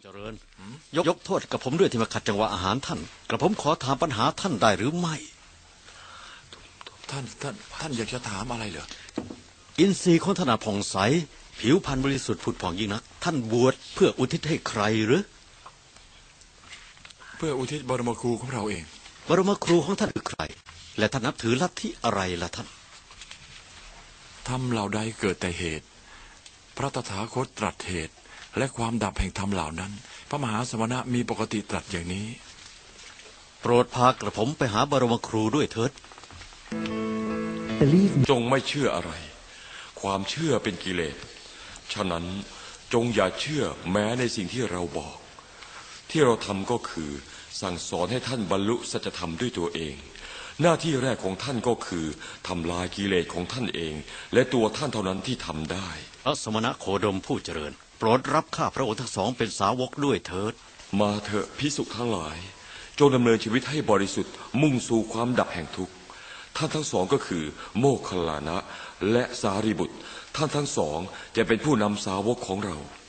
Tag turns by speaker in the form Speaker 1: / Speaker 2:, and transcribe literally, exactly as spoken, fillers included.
Speaker 1: เจริญยกยกโทษกับผมด้วยที่มาขัดจังหวะอาหารท่านกระผมขอถามปัญหาท่านได้หรือไม่
Speaker 2: ท่านท่านท่านอยากจะถามอะไรเหรอ
Speaker 1: อินทรีย์ของท่านผ่องใสผิวพรรณบริสุทธิ์ผุดผ่องยิ่งนักท่านบวชเพื่ออุทิศให้ใครหรือ
Speaker 2: เพื่ออุทิศบรมครูของเราเอง
Speaker 1: บรมครูของท่านคือใครและท่านนับถือลัทธิอะไรล่ะท่าน
Speaker 2: ธรรมเหล่าใดเกิดแต่เหตุพระตถาคตตรัสเหตุและความดับแห่งธรรมเหล่านั้นพระมหาสมณะมีปกติตรัสอย่างนี้
Speaker 1: โปรดพากระผมไปหาบรมครูด้วยเถิด
Speaker 3: จงไม่เชื่ออะไรความเชื่อเป็นกิเลสฉะนั้นจงอย่าเชื่อแม้ในสิ่งที่เราบอกที่เราทำก็คือสั่งสอนให้ท่านบรรลุสัจธรรมด้วยตัวเองหน้าที่แรกของท่านก็คือทำลายกิเลสของท่านเองและตัวท่านเท่านั้นที่ทำได้
Speaker 1: พระสมณะโคดมผู้เจริญโปรดรับข้าพระองค์ทั้งสองเป็นสาวกด้วยเถิด
Speaker 3: มาเถอะภิกษุทั้งหลายจงดำเนินชีวิตให้บริสุทธิ์มุ่งสู่ความดับแห่งทุกข์ท่านทั้งสองก็คือโมคคัลลานะและสารีบุตรท่านทั้งสองจะเป็นผู้นำสาวกของเรา